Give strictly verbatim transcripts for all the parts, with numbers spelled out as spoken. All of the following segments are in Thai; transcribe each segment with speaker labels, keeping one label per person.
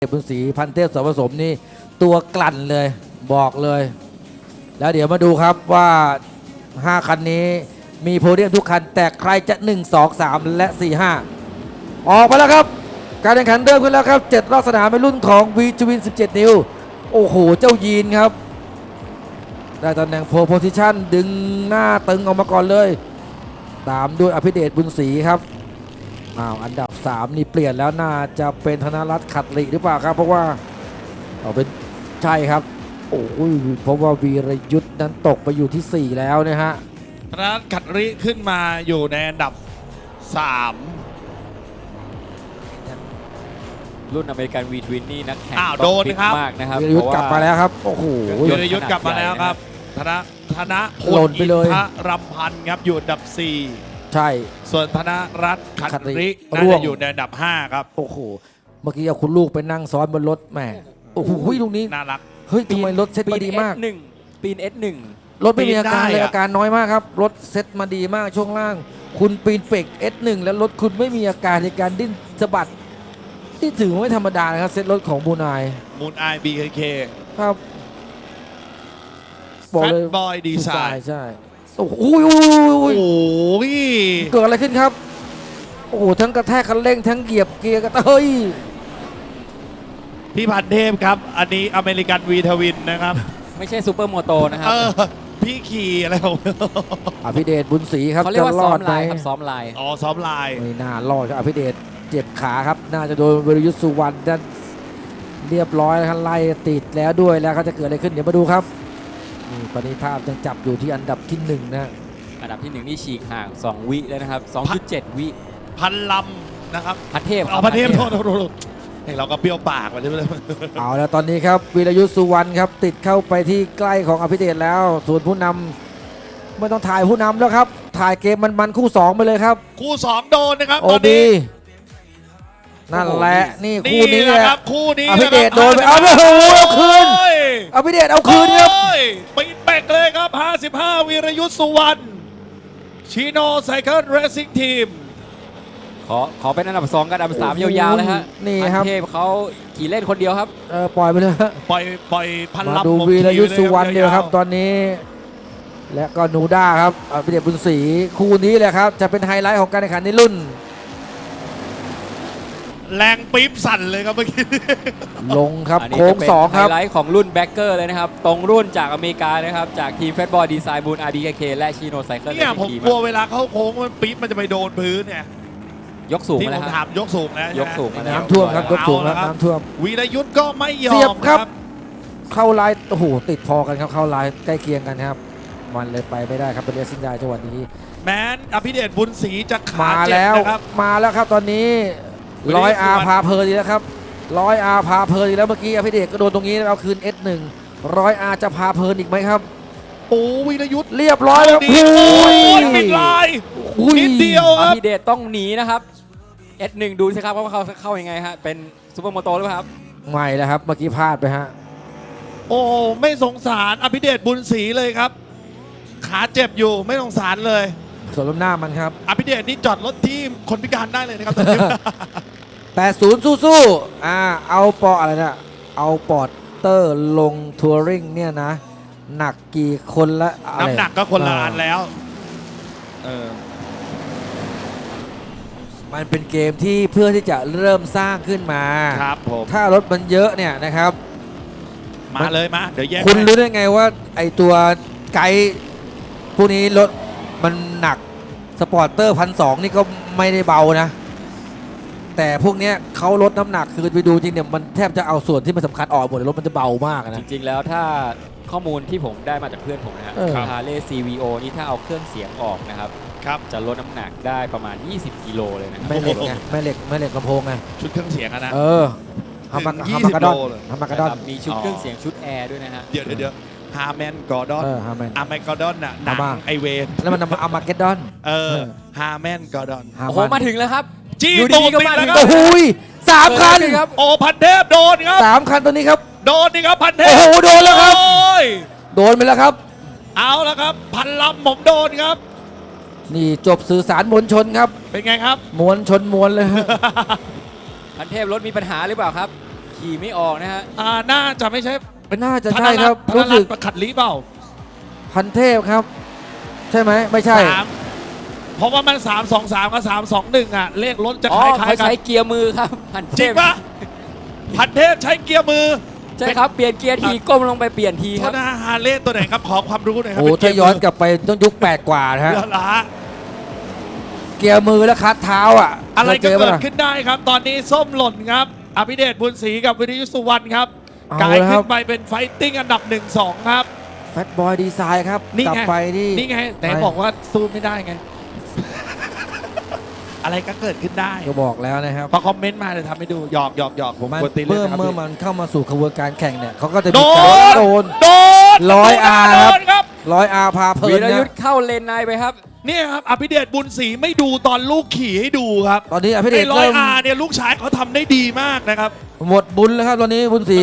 Speaker 1: บุญศรีพันเทพสผสมนี่ตัวกลั่นเลยบอกเลย แล้วเดี๋ยวมาดูครับว่าห้าคันนี้มีโพเดียมทุกคันแต่ใครจะหนึ่ง สอง สามและสี่ ห้าออกไปแล้วครับการแข่งขันเริ่มขึ้นแล้วครับเจ็ดรอบสนามเป็นรุ่นของ วี ทวิน สิบเจ็ด นิ้วโอ้โหเจ้ายีนครับได้ตำแหน่งโพโพซิชั่นดึงหน้าตึงออกมาก่อนเลยตามด้วยอภิเดชบุญศรีครับอ้าวอันดับสามนี่เปลี่ยนแล้วน่าจะเป็นธนรัตน์ขัดหลีหรือเปล่าครับเพราะว่าเอาเป็นใช่ครับโอ้ยเพราะว่าวีรยุทธ์นั้นตกไปอยู่ที่สี่แล้วนะฮะ
Speaker 2: ธนรัตน์ขัดหลีขึ้นมาอยู่ในอันดับสาม
Speaker 3: รุ่นอเมริกันวีทวินนี่นักแข่ง
Speaker 2: อ้าวโดนครับ
Speaker 3: มากนะครับ
Speaker 1: วีรยุทธ์กลับมาแล้วครับโอ้โห
Speaker 2: วีรยุทธ์กลับมาแล้วครับธนธนพล
Speaker 1: หล่นไปเลย
Speaker 2: อินทรำพันธ์ครับอยู่อันดับสี่
Speaker 1: ใช่
Speaker 2: ส่วนธนรัตน์ขัดหลีน่า
Speaker 1: ร่ว
Speaker 2: จะ
Speaker 1: ง
Speaker 2: อยู่ในอันดับห้าครับ
Speaker 1: โอ้โหเมื่อกี้เอาคุณลูกไปนั่งซ้อนบนรถแหมโอ้โหลูกนี้
Speaker 2: น่ารัก
Speaker 1: เฮ้ยทำไมรถเซ็ตมาดีมาก
Speaker 3: หนึ่งปีน เอส หนึ่ง
Speaker 1: รถไม่มีอาการเลย
Speaker 2: ปีนได้อะ
Speaker 1: อาการน้อยมากครับรถเซ็ตมาดีมากช่วงล่าง คุณปีนเป็ก เอส หนึ่ง แล้วรถคุณไม่มีอาการในการดิ้นสะบัดที่ถือว่าไม่ธรรมดานะครับเซ็ตรถของบูนาย
Speaker 2: มูนไอบีเค
Speaker 1: ครับบ
Speaker 2: แฟ
Speaker 1: อก
Speaker 2: ต
Speaker 1: เลย
Speaker 2: บอยดีไซน์
Speaker 1: ใช่โอ้โหอุ้ยอุ้ยอุ้ย
Speaker 2: โอ้
Speaker 1: อุ้ย
Speaker 2: ย
Speaker 1: เกิดอะไรขึ้นครับโอ้โหทั้งกระแทกคันเร่งทั้งเหยียบเกียร์กระเฮ้ย
Speaker 2: พี่พันเทพครับอันนี้อเมริกันวีทวินนะครับ
Speaker 3: ไม่ใช่ซูเปอร์โมโตนะครั
Speaker 2: เอบ อพี่ขี่อะไรของ
Speaker 1: อภิเดชบุญศรีครับ
Speaker 3: เขาเรียกว่า
Speaker 1: จะร
Speaker 3: ซ้อ
Speaker 1: อ
Speaker 3: ม
Speaker 1: ดไหม
Speaker 3: ลายครับซ้อมลาย
Speaker 2: อ๋อซ้อมลาย
Speaker 1: ไม่น่ารอดครับอภิเดชเจ็บขาครับน่าจะโดนวรยุทธสุวรรณดันเรียบร้อยแล้วครับไล่ติดแล้วด้วยแล้วเขาจะเกิดอะไรขึ้นเดี๋ยวมาดูครับนี่ปณิธาพยังจับอยู่ที่อันดับที่หนึ่งนะ
Speaker 3: อันดับที่หนึ่งนี่ฉีกห่างสองวิแล้วนะครับ สองจุดเจ็ด วิ
Speaker 2: พันลำนะครับ
Speaker 3: พันเทพ
Speaker 2: เอาพันเทพโทษโทษโทษเฮ้ยเราก็เปรี้ยวปากมาใช่ไหม
Speaker 1: เอาแล้วตอนนี้ครับวีรยุทธสุวรรณครับติดเข้าไปที่ใกล้ของอภิเดชแล้วส่วนผู้นำไม่ต้องถ่ายผู้นำแล้วครับถ่ายเกมมันๆคู่สองไปเลยครับ
Speaker 2: คู่สองโดนนะครับ
Speaker 1: โอ
Speaker 2: ตอน
Speaker 1: ดี
Speaker 2: นี้
Speaker 1: นั่นแหละนี่
Speaker 2: นี่
Speaker 1: คู่นี้
Speaker 2: แห
Speaker 1: แห
Speaker 2: ละ
Speaker 1: ละ
Speaker 2: ครับคู่นี้
Speaker 1: อภิเดช
Speaker 2: นะครับ
Speaker 1: โดนไปเอาโอ้โหเอาคืน
Speaker 2: โอ้ย
Speaker 1: อภิเดชเอาคืนครับ
Speaker 2: โอ้ยปิดเบรกเลยครับห้าสิบห้าวีรยุทธสุวรรณชิโนไซเคิลเรซิ่งทีม
Speaker 3: ขอขอเป็นอันดับสองกับอันดับสามยาวๆเลยฮะ
Speaker 1: นี่
Speaker 3: พัน
Speaker 1: ครับ
Speaker 3: เทพเขาขี่เล่นคนเดียวครับ
Speaker 1: เออปล่อยไปเลยฮะ
Speaker 2: ปล่อยปล่อยพัน
Speaker 1: มา
Speaker 2: ลำ
Speaker 1: ดู
Speaker 2: ผม
Speaker 1: วีรยุทธ
Speaker 2: ขี่
Speaker 1: สุวรรณ
Speaker 2: ล
Speaker 1: เดียวครับตอนนี้ และก็หนูด้าครับอภิเดชบุญศรีคู่นี้แหละครับจะเป็นไฮไลท์ของการแข่งขันในรุ่น
Speaker 2: แรงปี๊บสั่นเลยครับเมื่อกี้
Speaker 1: ลงครับ
Speaker 3: อันนี้
Speaker 1: โค้ง
Speaker 3: จะเป็น
Speaker 1: สองครับ
Speaker 3: ไฮไลท์ของรุ่นแบ็กเกอร์เลยนะครับ ตรงรุ่นจากอเมริกานะครับ จากทีมแฟตบอลดีไซน์บูน อาร์ ดี เค และชิโนไซเคิล
Speaker 2: เนี่ยผมกลัวเวลาเข้าโค้งมันปี๊บมันจะไปโดนพื้นเนี่ย
Speaker 3: ยกสูง
Speaker 2: ที่
Speaker 3: มา
Speaker 2: ผ
Speaker 3: แล้ว
Speaker 2: ม
Speaker 3: ค
Speaker 2: ถา
Speaker 3: รับ
Speaker 2: มยกสูงนะ
Speaker 3: ยกสูงมาแล้ว
Speaker 1: น้ำท่วมครับยกสูงแล้ว
Speaker 2: เอาละครับ
Speaker 1: น้ำท่วม
Speaker 2: วีรยุทธ์ก็ไม่ยอ
Speaker 1: เสียบ
Speaker 2: ม
Speaker 1: ครับ
Speaker 2: ครับ
Speaker 1: เข้าลายโอ้โหติดพอกันครับเข้าลายใกล้เคียงกันครับมันเลยไปไม่ได้ครับเป็นเรซิ่งได้จังหวะนี้
Speaker 2: แม้นอภิเดชบุญศรีจะขา
Speaker 1: มา
Speaker 2: เจ็บ
Speaker 1: แล้ว
Speaker 2: นะครับ
Speaker 1: มาแล้วครับตอนนี้
Speaker 2: วันนี้
Speaker 1: ร้อยอา
Speaker 2: สุวรรณ
Speaker 1: พาเพลินอีกแล้วครับร้อยอาพาเพลินอีกแล้วเมื่อกี้อภิเดชก็โดนตรงนี้แล้วเอาคืน เอส หนึ่ง ร้อยอาจะพาเพลินอีกไหมครับ
Speaker 2: โอ้วีรยุทธ์
Speaker 1: เรียบร้อยแล้ว
Speaker 2: ดีโอ้ยปิดลาย
Speaker 1: อุ้ย
Speaker 2: นิดเดียว
Speaker 3: อ
Speaker 2: ครับ
Speaker 3: ภิเดชต้องหนีนะครับ เอส หนึ่ง ดูสิครับว่าเขาเข้ายังไงฮะ เป็นซูเปอร์โมโตหรือเปล่าครับ
Speaker 1: ไม่แล้วครับเมื่อกี้พลาดไปฮะ
Speaker 2: โอ้ไม่สงสารอภิเดชบุญศรีเลยครับ ขาเจ็บอยู่ไม่สงสารเลย
Speaker 1: ส่วนล้มหน้ามันครับ
Speaker 2: อภิเดชนี่จอดรถที่คนพิการได้เลยนะครับตอนนี้
Speaker 1: แปดสิบสู้ๆอ่าเอาปออะไรนะเอาปอดเตอร์ลงทัวริงเนี่ยนะ หนักกี่คนละอะไร
Speaker 2: น้ำหนักก็คนละอันแล้วเออ
Speaker 1: มันเป็นเกมที่เพื่อที่จะเริ่มสร้างขึ้นมา
Speaker 2: ครับผม
Speaker 1: ถ้ารถมันเยอะเนี่ยนะครับ
Speaker 2: มาเลยมาเดี๋ยวแยก
Speaker 1: คุณ
Speaker 2: ให้
Speaker 1: รู้ได้ไงว่าไอตัวไกด์พวกนี้รถมันหนักสปอร์เตอร์พันสองนี่ก็ไม่ได้เบานะ แต่พวกเนี้ยเขาลดน้ำหนักคือไปดูจริงเนี่ยมันแทบจะเอาส่วนที่มันสำคัญออกหมดเลยรถมันจะเบามาก
Speaker 3: จ
Speaker 1: นะ
Speaker 3: ริงๆ แล้วถ้าข้อมูลที่ผมได้มาจากเพื่อนผมนะครับ
Speaker 1: เออ
Speaker 3: ฮาร์เลย์ ซี วี โอ นี่ถ้าเอาเครื่องเสียงออกนะครับ
Speaker 2: ครับ
Speaker 3: จะลดน้ำหนักได้ประมาณ ยี่สิบ กิโลเลยนะครับ
Speaker 1: แม่เหล็กไงแม่เหล็กแม่เหล็กลำโพงไง
Speaker 2: ชุดเครื่องเสียงอะนะ
Speaker 1: เออฮามา
Speaker 2: ถึง
Speaker 1: ฮามากาดอน
Speaker 2: ยี่สิบโลเลย
Speaker 1: ฮามากาดอน
Speaker 3: นะครับมีชุดเครื่องเสียงชุดแอร์ด้วยนะฮะ
Speaker 2: เดี๋ยวเดี๋ยวเดี๋ยวฮาร์แมนกอร์ดอน
Speaker 1: เออฮาแมน
Speaker 2: อาร์แมนกอร์ดอนน่ะหนัง
Speaker 1: ฮามา
Speaker 2: ไอเวน
Speaker 1: แล้วมันนำมาเอามาเก็ตดอน
Speaker 2: เออ
Speaker 1: เออ
Speaker 2: ฮาร์แมนกอร์ดอน
Speaker 1: ฮา
Speaker 3: โอ้โห มาถึงแล้วครับ
Speaker 2: จี้
Speaker 3: อยู่
Speaker 2: ตู
Speaker 3: ดี
Speaker 2: ด
Speaker 3: ๆก็
Speaker 2: ติด
Speaker 3: มา
Speaker 2: แล้ว
Speaker 3: ถึง
Speaker 2: ครั
Speaker 1: โอ้
Speaker 2: บ
Speaker 1: โหยสามคัน
Speaker 3: เกิดอะไรขึ้นครับ
Speaker 2: โอ้พันเทพโดนครับ
Speaker 1: สามคันตัวนี้ครับ
Speaker 2: โดนนี่ครับพันเทพ
Speaker 1: โอ้โหโดนแล้วครับ
Speaker 2: โอ้ย
Speaker 1: โดนไปแล้วครับ
Speaker 2: เอาแล้วครับ พันลำผมโดนครับ
Speaker 1: นี่จบสื่อสารมวลชนครับ
Speaker 2: เป็นไงครับ
Speaker 1: มวลชนมวลเลยฮะ
Speaker 3: พันเทพรถมีปัญหาหรือเปล่าครับ
Speaker 1: ค
Speaker 3: ขี่ไม่ออกนะฮะ
Speaker 2: อ่าน่าจะไม่ใช่เป็น
Speaker 1: น่าจะใช่ครับ
Speaker 2: ธน
Speaker 1: รู้
Speaker 2: รั
Speaker 1: สึ
Speaker 2: ต
Speaker 1: ก
Speaker 2: น์ประขัดลีเปล่า
Speaker 1: พันเทพครับ ใช่ไหมไม่ใช่
Speaker 2: สามเพราะว่ามัน สาม สอง สาม กับ สาม สอง หนึ่ง อ่ะ เลขรถจะ
Speaker 3: อ๋
Speaker 2: ค
Speaker 3: อ
Speaker 2: ล้าย
Speaker 3: เขา
Speaker 2: ๆกัน
Speaker 3: ใช้เกียร์มือครับพันเทพ
Speaker 2: จริงปะพันเทพใช้เกียร์มือ
Speaker 3: ใช่ครับ เปลี่ยนเกียร์ทีก้มลงไปเปลี่ยนที
Speaker 2: โท
Speaker 3: ครั
Speaker 2: ษ
Speaker 3: บ
Speaker 2: นะฮาร์เลย์ตัวไหนครับ ขอความรู้หน่อยครั
Speaker 1: โอ้
Speaker 2: เป็
Speaker 1: ถ้าย้อนกลับไปต้องยุคแปดกว่านะฮะ
Speaker 2: เรือละ
Speaker 1: เกียร์มือแล้วคัดเท้าอ่ะ
Speaker 2: อะไร
Speaker 1: ค
Speaker 2: ก็
Speaker 1: ยจป
Speaker 2: เกิด
Speaker 1: ล่ะ
Speaker 2: ขึ้นได้ครับ ตอนนี้ส้มหล่นครับ อภิเดชบุญศรีกับวิริยุสุวรรณครับ
Speaker 1: เอา
Speaker 2: กลาย
Speaker 1: แล้วค
Speaker 2: ขึ้
Speaker 1: รับ
Speaker 2: นไปเป็นไฟติ้งอันดับ หนึ่ง สอง ครับ
Speaker 1: แฟตบอยดีไซน์ครับ
Speaker 2: นี่
Speaker 1: กลับ
Speaker 2: ไง
Speaker 1: ไปที่
Speaker 2: นี่ไงไหนบอกว่าสู้ไม่ได้ไง อะไรก็เกิดขึ้นได้
Speaker 1: ก็บอกแล้วนะครับ
Speaker 2: พอคอมเมนต์มาเลยทำให้ดูหยอกหยอกหยอกผม
Speaker 1: มัน
Speaker 2: กวนตีนเล่
Speaker 1: เมื่อน
Speaker 2: นะครับ
Speaker 1: เมื่อ
Speaker 2: พี่
Speaker 1: มันเข้ามาสู่กระบวนการแข่งเนี่ยเขาก็จะ
Speaker 2: โด
Speaker 1: มีการ
Speaker 2: น
Speaker 1: โดน
Speaker 2: โดน
Speaker 1: ร้อยอาร์
Speaker 2: โด
Speaker 1: ครับ
Speaker 2: นครับ
Speaker 1: ร้อยอาร์พาเพลิ
Speaker 3: วี
Speaker 1: น
Speaker 3: ร
Speaker 1: นะ
Speaker 3: ยุทธ์เข้าเลนในไปครับ
Speaker 2: เนี่ยครับอภิเดชบุญศรีไม่ดูตอนลูกขี่ให้ดูครับ
Speaker 1: ตอนนี้อภิเด
Speaker 2: ไอ้
Speaker 1: ช
Speaker 2: ร้อย
Speaker 1: เริ่ม
Speaker 2: อาร์เนี่ยลูกชายเขาทำได้ดีมากนะครับ
Speaker 1: หมดบุญแล้วครับตอนนี้บุญศรี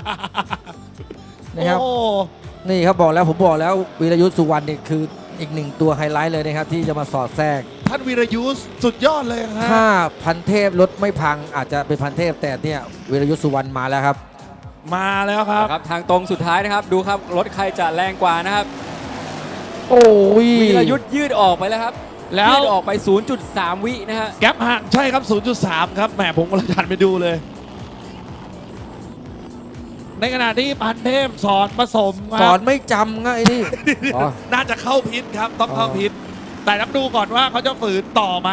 Speaker 1: นะครับ
Speaker 2: โอ้
Speaker 1: นี่ครับบอกแล้วผมบอกแล้ววีรยุทธ์สุวรรณนี่คืออีกหนึ่งตัวไฮไลท์เลยนะครับที่จะมาสอดแทรก
Speaker 2: ท่านวีรยุทธ์สุดยอดเลยฮะ
Speaker 1: ถ้าพันเทพรถไม่พังอาจจะเป็นพันเทพแต่เนี่ยวีรยุทธ์สุวรรณมาแล้วครับ
Speaker 2: มาแล้วครับ
Speaker 3: ครับ ทางตรงสุดท้ายนะครับ ดูครับ รถใครจะแรงกว่านะครับ
Speaker 1: โอ้ย
Speaker 3: วีรยุทธ์ยืดออกไปแล้วครับ
Speaker 2: แล้ว
Speaker 3: ยืดออกไป ศูนย์จุดสาม วินะฮะ
Speaker 2: แก๊ปห่างใช่ครับ ศูนย์จุดสาม ครับแหมผมกำลังหันไปดูเลย ในขณะที่พันเทพสอนผสมค
Speaker 1: ส
Speaker 2: รับ
Speaker 1: อนไม่จำไงนี่ อ๋อ
Speaker 2: น่าจะเข้าพิษครับ ต้องเข้า
Speaker 1: อ๋อ
Speaker 2: พิษแต่ต้องดูก่อนว่าเขาจะฝืนต่อไหม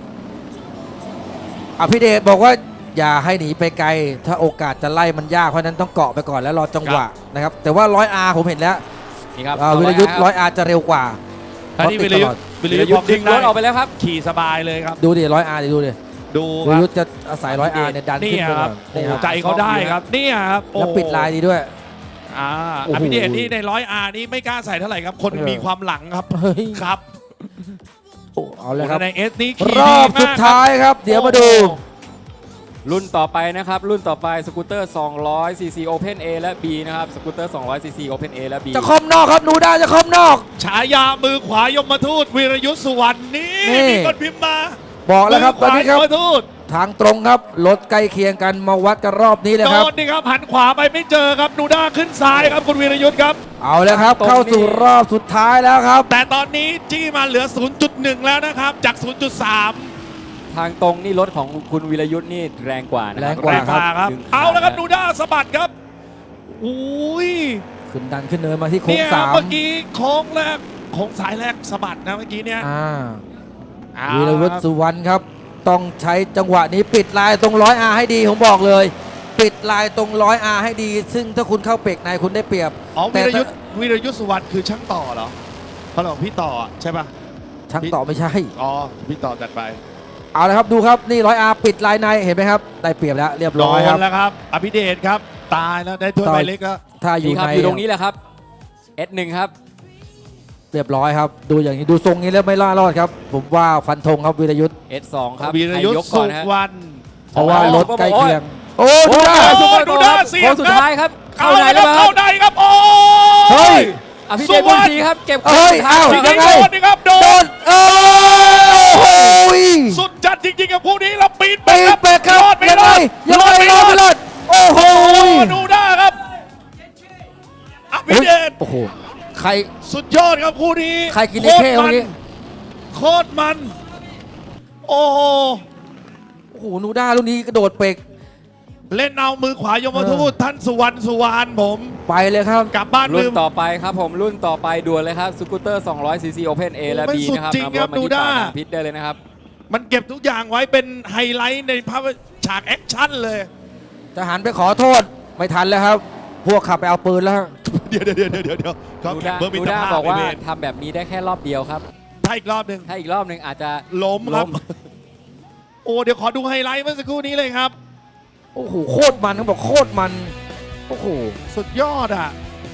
Speaker 1: อภิเดชบอกว่าอย่าให้หนีไปไกล ถ้าโอกาสจะไล่มันยากเพราะฉะนั้นต้องเกาะไปก่อนแล้วรอจังหวะนะครับแต่ว่าร้อยอาร์ผมเห็นแล้ว
Speaker 3: นี่ครับ
Speaker 1: อ่าวีรยุทธ์ร้อยอาร์จะเร็วกว่า
Speaker 2: อันนี้
Speaker 1: เพ
Speaker 2: วิ
Speaker 1: ราะ
Speaker 2: ร
Speaker 1: ติด
Speaker 2: ยุ
Speaker 1: ต
Speaker 2: ท
Speaker 1: ลอด
Speaker 2: ธ์วิ
Speaker 3: วี
Speaker 2: ร
Speaker 3: ร
Speaker 2: ยุท
Speaker 3: ยุท
Speaker 2: ธ์
Speaker 3: ธ์ดึงรถออกไปแล้วครับ
Speaker 2: ขี่สบายเลยครับ
Speaker 1: ดูดิร้อยอาร์ดูดิ
Speaker 2: ดู
Speaker 1: วี
Speaker 2: ค
Speaker 1: ร
Speaker 2: รับ
Speaker 1: ยุทธ์จะอาศัยร้อยอาร์เนี่ยดัน
Speaker 2: นี่
Speaker 1: ขึ้นไป
Speaker 2: ค
Speaker 1: ก่
Speaker 2: รั
Speaker 1: อบ น
Speaker 2: โอ้
Speaker 1: นี่
Speaker 2: โห
Speaker 1: ครับ
Speaker 2: ใจเขาได้ครับเนี่ยครับโอ้
Speaker 1: แล้วปิดลายดีด้วย
Speaker 2: อ่า
Speaker 1: โอ้โห
Speaker 2: อภิเดชนี่ในร้อยอาร์นี่ไม่กล้าใส่เท่าไหร่ครับ คน
Speaker 1: เออ
Speaker 2: มีความหลังครับ
Speaker 1: เฮ้ย
Speaker 2: ครับ
Speaker 1: โอ้เอาเลยครับ
Speaker 2: ในเอสนี่ขี่
Speaker 1: รอบ
Speaker 2: ดีมก
Speaker 1: สุดท้ายครับ เดี๋ยวมาดู
Speaker 2: โอ้
Speaker 3: รุ่นต่อไปนะครับ รุ่นต่อไปสกูตเตอร์ สองร้อยซีซี Open A และ B นะครับ สกูตเตอร์ สองร้อยซีซี Open A และ B
Speaker 1: จะคอมนอกครับหนูได้จะคอมนอก
Speaker 2: ฉายามือขวายมทูตวีรยุทธสุวรรณนี่
Speaker 1: นี่
Speaker 2: มีคนพิมพ์มา
Speaker 1: บอกแล้วครับต
Speaker 2: มื
Speaker 1: อน
Speaker 2: ขวา
Speaker 1: นี้ครับ
Speaker 2: ยมทูต
Speaker 1: ทางตรงครับรถใกล้เคียงกันมาวัดกันรอบนี้เลย
Speaker 2: โด
Speaker 1: ครับ
Speaker 2: นนี่ครับหันขวาไปไม่เจอครับนูด้าขึ้นซ้ายครับคุณวีรยุทธครับ
Speaker 1: เอาแล้วครับ
Speaker 3: ตรงนี้
Speaker 1: เข้าสู่รอบสุดท้ายแล้วครับ
Speaker 2: แต่ตอนนี้จี้มาเหลือ ศูนย์จุดหนึ่ง แล้วนะครับ จาก ศูนย์จุดสาม
Speaker 3: ทางตรงนี่รถของคุณวีรยุทธ์นี่แรงกว่านะค
Speaker 1: แร
Speaker 3: รับ
Speaker 1: งกว่า
Speaker 2: แรงกว่าครับ
Speaker 3: ดึงขา
Speaker 2: เอาแล้วครับ
Speaker 3: นะ
Speaker 2: นูด้าสะบัดครับอุ้ย
Speaker 1: ขึ้นดันขึ้นเนินมาที่โค้ง
Speaker 2: เนี่ย
Speaker 1: สาม
Speaker 2: เมื่อกี้โค้งแรกโค้งสายแรกสะบัดนะเมื่อกี้เนี่ย
Speaker 1: อ่า
Speaker 2: เอา
Speaker 1: วีรวุฒิ
Speaker 2: ครับ
Speaker 1: สุวรรณครับ ต้องใช้จังหวะนี้ปิดลายตรงร้อยอาให้ดีผมบอกเลย ปิดลายตรงร้อยอาให้ดี ซึ่งถ้าคุณเข้าเปกในคุณได้เปรียบ
Speaker 2: อ๋อ
Speaker 1: แต่
Speaker 2: วีรยุทธวีรยุทธสุวรรณคือช่างต่อเหรอเขาบอกพี่ต่ออะใช่ป่ะ
Speaker 1: ช่างต่อไม่ใช่
Speaker 2: อ๋อพี่ต่อจัดไป
Speaker 1: เอาละครับดูครับนี่ร้อยอาปิดลายในเห็นไหมครับ ได้เปรียบแล้วเรียบ
Speaker 2: โด
Speaker 1: ร้อยครับ
Speaker 2: นแล้วครับ อภิเดชครับ ตายแล้วได้ถ้วย
Speaker 1: ต่อ
Speaker 2: ใบเล็กแล้ว
Speaker 1: ถ้าอยู่
Speaker 3: นี่ครับ
Speaker 1: ใน
Speaker 3: อยู่ตรงนี้แหละครับ เอส หนึ่ง ครับ
Speaker 1: เรียบร้อยครับ ดูอย่างนี้ดูทรงนี้แล้วไม่ล่ารอดครับ ผมว่าฟันธงครับวีรยุทธ์
Speaker 3: เอส สอง ครับ
Speaker 2: วีรยุทธ
Speaker 3: ใคยกก่
Speaker 2: สุ
Speaker 3: อนนะฮะ
Speaker 2: วรรณ
Speaker 1: เพราะว่ารถใกล้เคียง โอ้
Speaker 3: โอ้
Speaker 1: ดูได้
Speaker 3: ย
Speaker 2: โอ้
Speaker 3: ซุปเปอร์
Speaker 2: ดู
Speaker 3: โก
Speaker 2: ด้า
Speaker 3: ครับ
Speaker 2: เสียบ
Speaker 3: โค้งสุดท้ายครับ
Speaker 2: เอา
Speaker 3: เข้าไหน
Speaker 2: แล้ว
Speaker 3: แล้ว
Speaker 2: เข้า
Speaker 3: ครับ
Speaker 2: ได้ครับโอ้
Speaker 1: เฮ้ย
Speaker 3: อภิเดชบุญศรีครับ เก็บ
Speaker 1: เอ้ย
Speaker 3: ข้างสุดท้าย
Speaker 1: เอ้า
Speaker 2: จริง
Speaker 1: ยัง
Speaker 2: ๆ
Speaker 1: ไง
Speaker 2: โดนนี่ครับโด
Speaker 1: โด
Speaker 2: น
Speaker 1: นเออโอ้ย
Speaker 2: สุดจัดจริงๆกับผู้นี้เราปีน
Speaker 1: ปีนเปกครับ
Speaker 2: รอดไม่
Speaker 1: ยัง
Speaker 2: ร
Speaker 1: ไง
Speaker 2: อด
Speaker 1: ยังไงรอดไม่รอดโอ้โห
Speaker 2: โอ้ดูได้ครับอภิเดช
Speaker 1: โอ้โหใคร
Speaker 2: สุดยอดครับคู่นี้
Speaker 1: ใครกินไอ้เข้เมื่อกี้
Speaker 2: โคตรมัน โอ้โห
Speaker 1: โอ้โหนูด้าลูกนี้กระโดดเปก
Speaker 2: เล่นเอามือขวายมทูตท่านสุวรรณสุวรรณผม
Speaker 1: ไปเลยครับ
Speaker 2: กลับบ้าน
Speaker 3: รุ่
Speaker 2: ลื
Speaker 3: น
Speaker 2: ม
Speaker 3: ต่อไปครับผมรุ่นต่อไปด่วนเลยครับสกูตเตอร์ สองร้อยซีซี Open A และ
Speaker 2: โอ้
Speaker 3: B
Speaker 2: มันสุด
Speaker 3: นะครับ
Speaker 2: จริงครับ
Speaker 3: นำรถมา
Speaker 2: ดู
Speaker 3: ที่
Speaker 2: ได้
Speaker 3: ปากทางพิษได้เลยนะครับ
Speaker 2: มันเก็บทุกอย่างไว้เป็นไฮไลท์ในภาพฉากแอคชั่นเลย
Speaker 1: จะหันไปขอโทษไม่ทันแล้วครับ พวกขับไปเอาปืนแล้ว
Speaker 2: เดี๋ยวเดี๋ยวเดี๋ยวเดี๋ยวเดี๋ยวเขา
Speaker 3: ดู
Speaker 2: แข่
Speaker 3: ด้าง
Speaker 2: เบอร์มิ
Speaker 3: ดู
Speaker 2: ตร
Speaker 3: ด้า
Speaker 2: ภาพ
Speaker 3: บอกว่า
Speaker 2: ไเน
Speaker 3: ทำแบบนี้ได้แค่รอบเดียวครับ
Speaker 2: ถ้าอีกรอบหนึ่ง
Speaker 3: ถ้าอีกรอบหนึ่งอาจจะ
Speaker 2: ล้มครับ
Speaker 3: ล้ม
Speaker 2: โอ้เดี๋ยวขอดูไฮไลท์เมื่อสักครู่นี้เลยครับ
Speaker 1: โอ้โหโคตรมันเขาบอกโคตรมันโอ้โห
Speaker 2: สุดยอดอ่ะ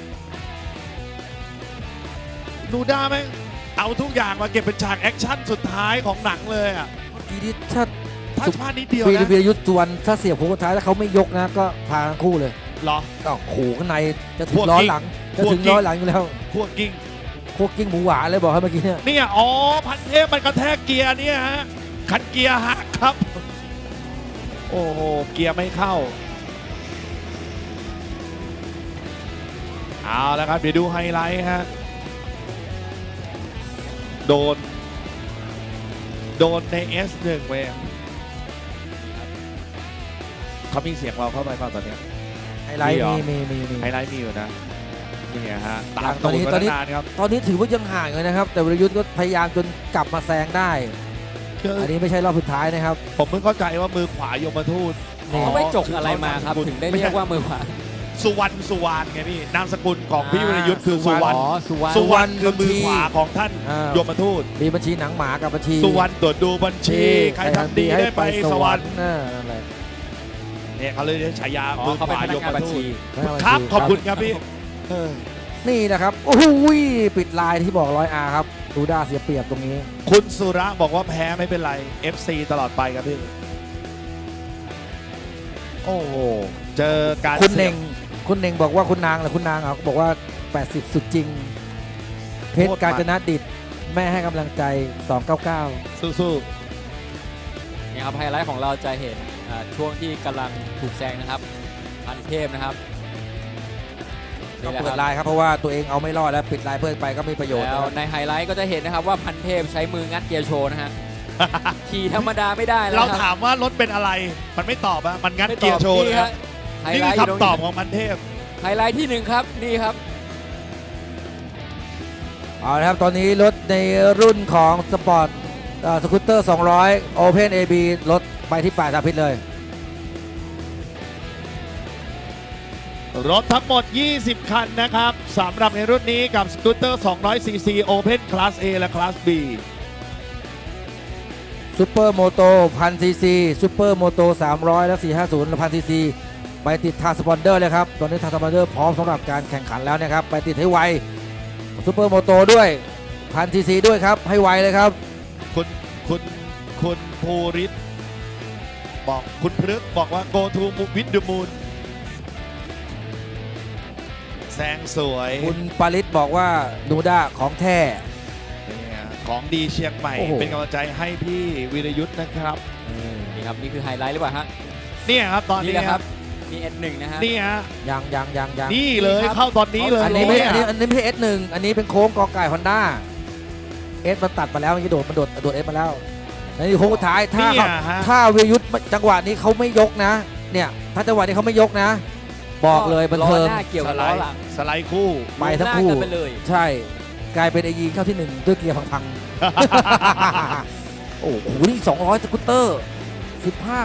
Speaker 2: นูด้าแม่งเอาทุกอย่างมาเก็บเป็นฉากแอคชั่นสุดท้ายของหนังเลยอ่ะ
Speaker 1: ทีนี้ถ้า
Speaker 2: ถ้าพลาดนิดเดียว
Speaker 1: วีร
Speaker 2: นะ
Speaker 1: วีรยุทธ์สุวรรณถ้าเสียบโค้งสุดท้ายแล้วเขาไม่ยกนะก็พาทั้งคู่เลย
Speaker 2: เหรอ
Speaker 1: ก็โขข้างในจะถึ
Speaker 2: พ
Speaker 1: ง
Speaker 2: วก
Speaker 1: ล้อ
Speaker 2: กิ๊ก
Speaker 1: หลังจะ
Speaker 2: พวก
Speaker 1: ถึง
Speaker 2: กิ๊ก
Speaker 1: ล้อหลังอยู่แล้ว
Speaker 2: พวกกิ้ง
Speaker 1: โคกกิ้งหมูหวานเลยบอกให้เมื่อกี้เนี่ย
Speaker 2: เนี่ยอ๋อพันเทพมันกระแทกเกียร์เนี่ยฮะคันเกียร์หักครับ โอ้โหเกียร์ไม่เข้าเอาแล้วครับ เดี๋ยวดูไฮไลท์ฮะ โดน โดนใน เอส หนึ่ง เว้ยเขามีเสียงเราเข้าไปเปล่าตอนเนี้ย
Speaker 1: ไฮไลท์
Speaker 2: มีเหรอ
Speaker 1: มีมีมีมี
Speaker 2: ไฮไลท์มีอยู่นะ นี่ฮะ ตา
Speaker 1: ยั
Speaker 2: ม
Speaker 1: งตอนนี้
Speaker 2: ตูด
Speaker 1: ตอนนี้
Speaker 2: มาานครับ
Speaker 1: ตอนนี้ถือว่ายังห่างเลยนะครับ แต่วรยุทธ์ก็พยายามจนกลับมาแซงได้
Speaker 2: คือ
Speaker 1: อันนี้ไม่ใช่รอบสุดท้ายนะครับ
Speaker 2: ผมเพิ่งเข้าใจว่ามือขวายมทูต
Speaker 1: นี่
Speaker 3: เขาไม่จกอะไรมาครับ ถึงได้เรียกว่ามือขวา
Speaker 2: สุวรรณสุวรรณไงพี่นามสกุลของพี่
Speaker 1: อ่า
Speaker 2: วิรยุทธ์คือสุวรรณ
Speaker 3: อ๋อสุวรรณ
Speaker 2: สุวรรณคือมือขวาของท่าน
Speaker 1: อ่า
Speaker 2: ยมทูต
Speaker 1: มีบัญชีหนังหมากับบัญชี
Speaker 2: สุวรรณตรวจดูบัญชี ใครทำดีได้ไปสวรรค์
Speaker 1: น่านั่นแหละ
Speaker 2: เนี่ยเขาเลยเรียกฉายา
Speaker 3: อ๋อ
Speaker 2: มือ
Speaker 3: เขา
Speaker 2: ข
Speaker 3: เป็น
Speaker 2: วา
Speaker 3: พนั
Speaker 2: ย
Speaker 3: กงาน
Speaker 2: ม
Speaker 3: บัญ
Speaker 2: ทู
Speaker 3: ชี
Speaker 2: ตครับขอบคุณครับพี่เออ
Speaker 1: นี่นะครับโอ้โหปิดลายที่บอกร้อยอาร์ครับดูด้าเสียเปรียบตรงนี้
Speaker 2: คุณสุระบอกว่าแพ้ไม่เป็นไร เอฟ ซี ตลอดไปครับพี่ โอ้โห เจอการ
Speaker 1: คุณเน่ง
Speaker 2: สีย
Speaker 1: คุณเน่งบอกว่าคุณนางเหรือคุณนางอ่ะบอกว่า แปดสิบ สุดจริง เพชรกาญจนดิตแม่ให้กำลังใจ สองเก้าเก้า
Speaker 2: สู้
Speaker 3: นี่ครับไฮไลท์ของเราจะเห็นอ่าช่วงที่กำลังถูกแซงนะครับพันเทพนะครับ
Speaker 1: ก็
Speaker 3: นี่แหละ
Speaker 1: เปิ
Speaker 3: ค
Speaker 1: ด
Speaker 3: รับ
Speaker 1: ลายครับเพราะว่าตัวเองเอาไม่รอดแล้วปิดลายเพิ่มไปก็ไม่ประโยชน์
Speaker 3: แล้ว
Speaker 1: นะครับ
Speaker 3: ในไฮไลท์ก็จะเห็นนะครับว่าพันเทพใช้มืองัดเกียร์โชว์นะฮะ ขี่ธรรมดาไม่ได้
Speaker 2: ๆ
Speaker 3: แล้ว
Speaker 2: เรา
Speaker 3: ค
Speaker 2: ถา
Speaker 3: รับ
Speaker 2: มว่ารถเป็นอะไร มันไม่ตอบอะมันงัด
Speaker 3: ไม่ตอบ
Speaker 2: เกียร์โชว์
Speaker 3: นี่
Speaker 2: นะค
Speaker 3: ฮะ
Speaker 2: รับ
Speaker 3: ไฮ
Speaker 2: นี่
Speaker 3: ไล
Speaker 2: คือ
Speaker 3: ท์ยู่
Speaker 2: คำตอบ
Speaker 3: นี้
Speaker 2: ของมันเทพ
Speaker 3: ไฮไลท์ที่หนึ่งครับนี่ครับ
Speaker 1: เอาละครับตอนนี้รถในรุ่นของสปอร์ตสกูตเตอร์สองร้อย Open เอ บี รถไปที่ป่าสาพิษเลย
Speaker 2: รถทั้งหมด ยี่สิบ คันนะครับสำหรับในรุ่นนี้กับสกูตเตอร์ สองร้อย ซี ซี Open Class A และ Class B
Speaker 1: ซูเปอร์โมโตพันซีซีซูเปอร์โมโตสามร้อยและสี่ห้าศูนย์พันซีซีไปติดทางสปอนเดอร์เลยครับ ตอนนี้ทางสปอนเดอร์พร้อมสำหรับการแข่งขันแล้วนะครับ ไปติดให้ไวซูเปอร์โมโตด้วยพันซีซีด้วยครับ ให้ไวเลยครับ
Speaker 2: คุณคุณคุณภูริศบอกคุณพฤกษ์บอกว่า go to with the moon แซงสวย
Speaker 1: คุณปาริศบอกว่านูด้าของแท้
Speaker 2: เนี่ยของดีเชียงใหม่
Speaker 1: โอ้โห
Speaker 2: เป็นกำลังใจให้พี่วิรยุทธ์นะครับ
Speaker 3: นี่ครับนี่คือไฮไลท์หรือเปล่าฮะ
Speaker 2: เนี่ยครับตอน
Speaker 3: นี่
Speaker 2: นี้
Speaker 3: แหละ
Speaker 2: ค
Speaker 3: ค
Speaker 2: รั
Speaker 3: รับ บนี่เอสหนึ่งนะฮะ
Speaker 2: นี่ฮะ
Speaker 1: ยังยังยังยัง
Speaker 2: นี่เลย
Speaker 3: นี่ครับ
Speaker 2: เข้าตอนนี้เลย
Speaker 1: อันนี้ไม่
Speaker 2: เย
Speaker 1: อันนี้อันนี้ไม่ใช่ เอส หนึ่ง อันนี้เป็นโค้งกอไก่ฮอนด้าเอสมันตัดมาแล้วเมื่อกี้โดดมันโดดโดดเอสมาแล้วในโค้งสุดท้ายถ้า
Speaker 2: เนี่
Speaker 1: เขา
Speaker 2: ยฮะ
Speaker 1: ถ้าเวยุทธจังหวะนี้เขาไม่ยกนะ เนี่ยถ้าจังหวะนี้เขาไม่ยกนะ บอกเลยบันเทิง
Speaker 3: ล้อหน้าเกี่ยว
Speaker 2: ส
Speaker 3: กับ
Speaker 2: ไล
Speaker 3: ล้อ
Speaker 2: ด์
Speaker 3: หลัง
Speaker 2: สไลด์คู่
Speaker 1: ไปทั้งคู่
Speaker 3: ลงหน้ากันไปเลย
Speaker 1: ใช่ กลายเป็นไอยีเข้าที่หนึ่งด้วยเกียร์พังๆ โอ้โหนี่สองร้อยสกูตเตอร์สิบห้า